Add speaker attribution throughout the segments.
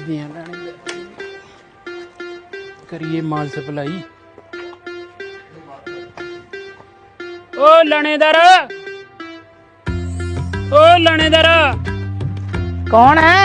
Speaker 1: देखते हैं लाने करिए माल सप्लाई। ओ लानेदार, ओ लानेदार,
Speaker 2: कौन है?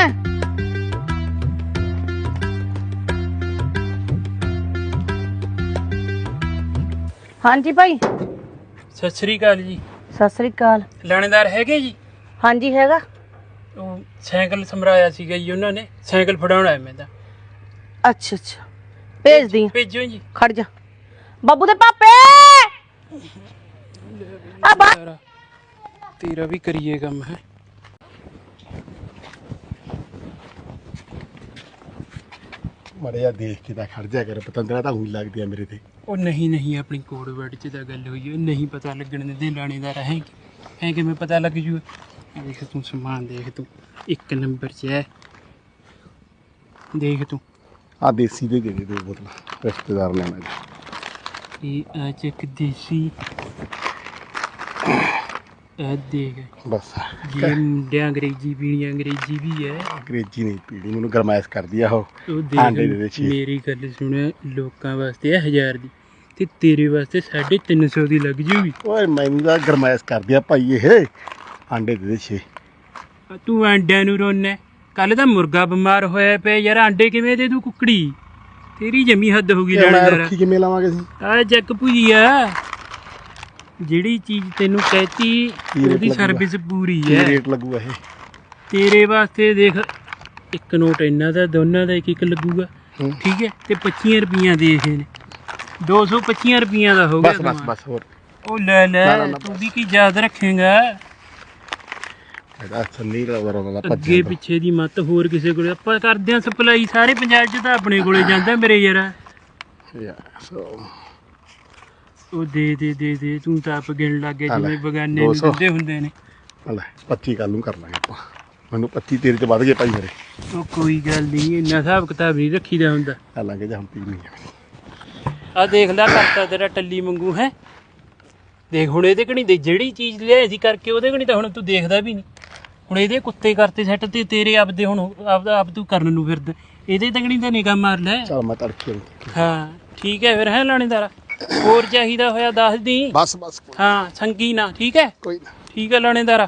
Speaker 2: हाँ जी भाई।
Speaker 1: सत श्री अकाल जी।
Speaker 2: सत श्री अकाल।
Speaker 1: लानेदार हैगे जी?
Speaker 2: हाँ जी हैगा।
Speaker 1: ਉਹ ਸਾਈਕਲ ਸਮਰਾਇਆ ਸੀਗਾ ਜੀ ਉਹਨਾਂ ਨੇ, ਸਾਈਕਲ ਫੜਾਉਣਾ ਹੈ ਮੈਂ ਤਾਂ।
Speaker 2: अच्छा अच्छा भेज दी।
Speaker 1: ਭੇਜੋ ਜੀ।
Speaker 2: खड़ जा बाबू दे पापे।
Speaker 1: तेरा भी करिए काम है।
Speaker 3: ਮਾੜਾ ਜਿਹਾ ਦੇਖ ਕੇ ਤਾਂ ਖੜ ਜਾ ਕਰ, ਪਤੰਦਰਾ ਤਾਂ ਉਹੀ ਲੱਗਦੀ ਆ ਮੇਰੇ ਤੇ।
Speaker 1: ਉਹ ਨਹੀਂ ਨਹੀਂ, ਆਪਣੀ ਕੋਡ ਵਰਡ 'ਚ ਤਾਂ ਗੱਲ ਹੋਈ ਹੈ, ਨਹੀਂ ਪਤਾ ਲੱਗਣ ਦਿੰਦੇ ਲਾਣੇਦਾਰ ਹੈ ਕਿਵੇਂ ਪਤਾ ਲੱਗ ਜੂ। ਦੇਖ ਤੂੰ ਸਮਾਨ ਦੇਖ, ਤੂੰ 1 ਨੰਬਰ 'ਚ ਹੈ। ਦੇਖ ਤੂੰ
Speaker 3: ਆ ਦੇਸੀ ਦੇ ਦੇ 2 ਬੋਤਲਾਂ, ਰਿਸ਼ਤੇਦਾਰ ਨੇ ਆਉਣਾ ਜੀ।
Speaker 1: ਇਹ ਆ ਚੱਕ ਦੇਸੀ। ਇਹ ਦੇਖ
Speaker 3: ਬਸ
Speaker 1: ਜੇ ਮੁੰਡਿਆਂ ਅੰਗਰੇਜ਼ੀ ਪੀਣੀ, ਅੰਗਰੇਜ਼ੀ ਵੀ ਹੈ।
Speaker 3: ਅੰਗਰੇਜ਼ੀ ਨਹੀਂ ਪੀੜੀ, ਮੈਨੂੰ ਗਰਮਾਇਸ਼ ਕਰਦੀ ਆ ਉਹ।
Speaker 1: ਉਹ
Speaker 3: ਆਂਡੇ ਦੇ
Speaker 1: ਦੇਖ
Speaker 3: ਛੇ।
Speaker 1: ਮੇਰੀ ਗੱਲ ਸੁਣ, ਲੋਕਾਂ ਵਾਸਤੇ ਹੈ 1000 ਦੀ ਤੇ ਤੇਰੇ ਵਾਸਤੇ 350 ਦੀ ਲੱਗ ਜੂਗੀ।
Speaker 3: ਓਏ ਮੈਨੂੰ ਤਾਂ ਗਰਮਾਇਸ਼ ਕਰਦੀ ਆ ਭਾਈ ਇਹ। ਆਂਡੇ ਦੇ 6।
Speaker 1: ਤੂੰ ਆਂਡਿਆਂ ਨੂੰ ਰੋਣਾ? ਕੱਲ ਤਾਂ ਮੁਰਗਾ ਬਿਮਾਰ ਹੋਇਆ ਪਿਆ ਯਾਰ, ਆਂਡੇ ਕਿਵੇਂ ਦੇ ਦੂ ਕੁੱਕੜੀ? ਤੇਰੀ ਜਮੀ ਹੱਦ ਹੋ ਗਈ ਲਾਣੇਦਾਰ।
Speaker 3: ਰੱਖੀ ਕਿਵੇਂ ਲਾਵਾਂਗੇ ਅਸੀਂ?
Speaker 1: ਆ ਜੱਕ ਭੁਜੀਆ, ਜਿਹੜੀ ਚੀਜ਼ ਤੈਨੂੰ ਕਹਿਤੀ ਉਹਦੀ ਸਰਵਿਸ ਪੂਰੀ
Speaker 3: ਕੀ
Speaker 1: ਹੈ।
Speaker 3: ਰੇਟ ਲੱਗੂਗਾ ਇਹ?
Speaker 1: ਤੇਰੇ ਵਾਸਤੇ ਦੇਖ, ਇੱਕ ਨੋਟ ਇਹਨਾਂ ਦਾ, ਦੋਨਾਂ ਦਾ 1 ਲੱਗੂਗਾ, ਠੀਕ ਹੈ? ਤੇ 25 ਰੁਪਈਆ ਦੇ ਇਹ ਨੇ, 225 ਰੁਪਈਆ ਦਾ ਹੋ ਗਿਆ।
Speaker 3: ਬਸ ਬਸ ਬਸ ਹੋਰ
Speaker 1: ਉਹ ਲੈ ਲੈ, ਤੂੰ ਵੀ ਕੀ ਯਾਦ ਰੱਖੇਗਾ?
Speaker 3: ਇਹਦਾ ਸੰਨੀ ਰਵਰ ਦਾ
Speaker 1: ਅੱਗੇ ਪਿੱਛੇ ਦੀ ਮੱਤ ਹੋਰ ਕਿਸੇ ਕੋਲੇ। ਆਪਾਂ ਕਰਦੇ ਆਂ ਸਪਲਾਈ ਸਾਰੇ ਪੰਜਾਬ 'ਚ, ਤਾਂ ਆਪਣੇ ਕੋਲੇ ਜਾਂਦਾ ਮੇਰੇ ਯਾਰ। ਉਹ ਦੇ ਦੇ ਦੇ ਦੇ, ਤੂੰ ਤਾਂ ਆਪ ਗਿਣ ਲੱਗ ਗਿਆ ਜਿਵੇਂ ਬਗਾਨੇ ਨੂੰ ਦਿੰਦੇ ਹੁੰਦੇ ਨੇ।
Speaker 3: ਲੈ 25 ਕੱਲ ਨੂੰ ਕਰ ਲਾਂਗੇ ਆਪਾਂ। ਮੈਨੂੰ 25 ਤੇਰੇ ਤੇ ਵੱਧ ਗਏ ਭਾਈ ਮੇਰੇ।
Speaker 1: ਉਹ ਕੋਈ ਗੱਲ ਨਹੀਂ, ਇੰਨਾ ਹਿਸਾਬ ਕਿਤਾਬ ਨਹੀਂ ਰੱਖੀਦਾ ਹੁੰਦਾ।
Speaker 3: ਕਰ ਲਾਂਗੇ ਜਾਂ ਹੁਣ ਪੀਣੀ ਆ।
Speaker 1: ਆ ਦੇਖ ਲੈ, ਕਰਤਾ ਤੇਰਾ ਟੱਲੀ ਮੰਗੂ ਹੈ। ਦੇਖ ਹੁਣ ਇਹਦੇ ਕਣੀ ਦੇ ਜਿਹੜੀ ਚੀਜ਼ ਲਿਆਈ ਸੀ ਕਰਕੇ, ਉਹਦੇ ਕਣੀ ਤਾਂ ਹੁਣ ਤੂੰ ਦੇਖਦਾ ਵੀ ਨਹੀਂ। ਹੁਣ ਇਹਦੇ ਕੁੱਤੇ ਕਰਤੇ ਸੈੱਟ, ਤੇ ਤੇਰੇ ਆਪਦੇ ਹੁਣ ਆਪ ਤੂੰ ਕਰਨ ਨੂੰ ਫਿਰਦਾ। ਇਹਦੇ ਤਕਣੀ ਤਾਂ ਨਿਗਾਹ ਮਾਰ ਲੈ।
Speaker 3: ਚਲ ਮੈਂ ਤੜਕੇ
Speaker 1: ਹਾਂ ਠੀਕ ਹੈ ਫਿਰ, ਹੈ ਲਾਣੇਦਾਰਾ? ਹੋਰ ਚਾਹੀਦਾ ਹੋਇਆ ਦੱਸ ਦੀ।
Speaker 3: ਬਸ ਬਸ
Speaker 1: ਹਾਂ ਸੰਗੀ ਨਾ, ਠੀਕ ਹੈ?
Speaker 3: ਕੋਈ ਨਾ।
Speaker 1: ਠੀਕ ਹੈ ਲਾਣੇਦਾਰਾ।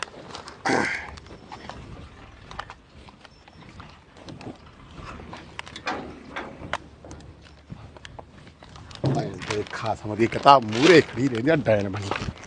Speaker 3: ਖਾਸ ਮਦੀ ਕਿਤਾਬ ਮੂਰੇ ਖੜੀ ਰਹਿੰਦੀ ਆ ਡੈਨ ਬਣੀ।